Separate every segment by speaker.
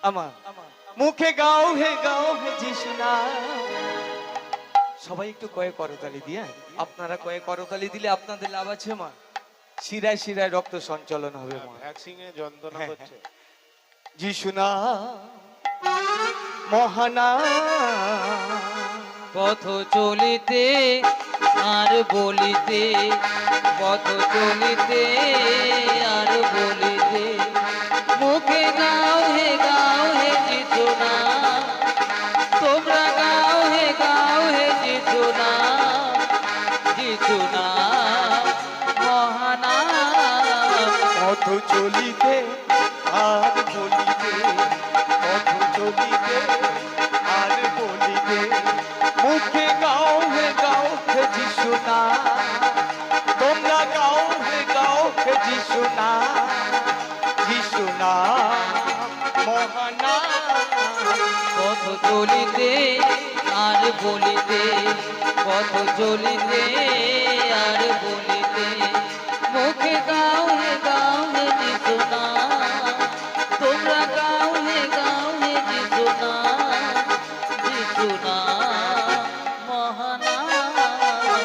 Speaker 1: আমার মুখে গাও হে যিশু নাম। সবাই একটু কয়ে করতালি দিয়ে, আপনারা কয়ে করতালি দিলে আপনাদের লাভ আছে মা। শিরায় শিরায় রক্ত সঞ্চালন হবে মা।
Speaker 2: ভ্যাকসিনে যন্ত্রণা করছে।
Speaker 1: যিশু নাম মহানাম।
Speaker 3: পথ চলিতে আর বলিতে, পথ চলিতে আর বলিতে, মুখে গাও হে যিশু নাম। তোমরা গাও হে যিশু নাম, যিশু নাম মহানাম।
Speaker 1: পথ চলিতে আর বলিতে, পথ চলিতে আর বলিতে, মুখে গাও হে যিশু নাম। তোমরা গাও হে যিশু নাম, যিশু নাম মহানাম।
Speaker 3: পথ চলিতে আর বলিতে, পথ চলিতে আর বলিতে, মুখে গাও হে যিশু নাম। তোমরা গাও হে যিশু নাম, যিশু নাম মহানাম।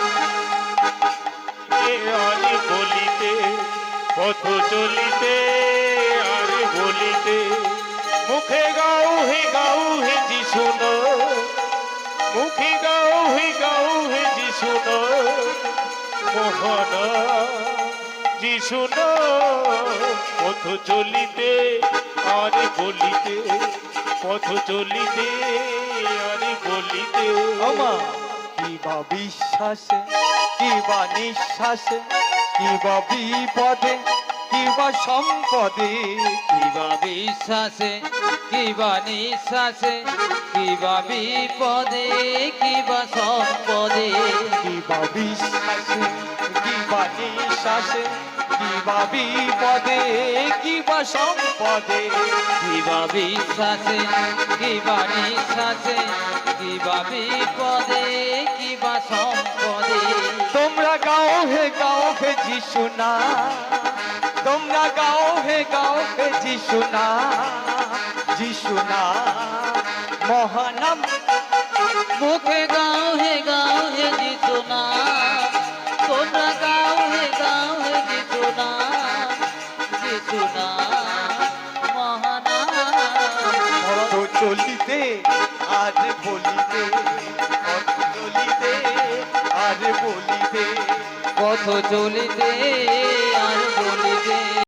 Speaker 2: আর বলিতে, পথ চলিতে আর বলিতে, মুখে গাও হে যিশু নাম। মুখে গাও হে যিশু নাম মহানাম। যিশু নাম পথ চলিতে আর বলিতে, পথ চলিতে আর বলিতে।
Speaker 1: আমা কিবা বিশ্বাসে, কিবা নিঃশ্বাসে, কিবা বিপদে, কিবা সম্পদে,
Speaker 3: কিবা বিশ্বাসে, কিবা নিঃশ্বাসে, কিবা বিপদে, কিবা সম্পদে,
Speaker 1: কিবা বিশ্বাসে, কিবা নিঃশ্বাসে, কিবা বিপদে, কিবা সম্পদে,
Speaker 3: কিবা বিশ্বাসে, কিবা নিঃশ্বাসে, কিবা বিপদে, কিবা সম্পদে।
Speaker 1: তোমরা গাও হে যিশু নাম। তোমরা গাও হে যিশু নাম, যিশু নাম মহানাম।
Speaker 3: মুখে গাও হে যিশু নাম। তোমরা গাও হে যিশু নাম, যিশু নাম মহানাম।
Speaker 1: পথ চলিতে আর বলিতে, পথ চলিতে আর বলিতে,
Speaker 3: পথ চলিতে আর বলিতে,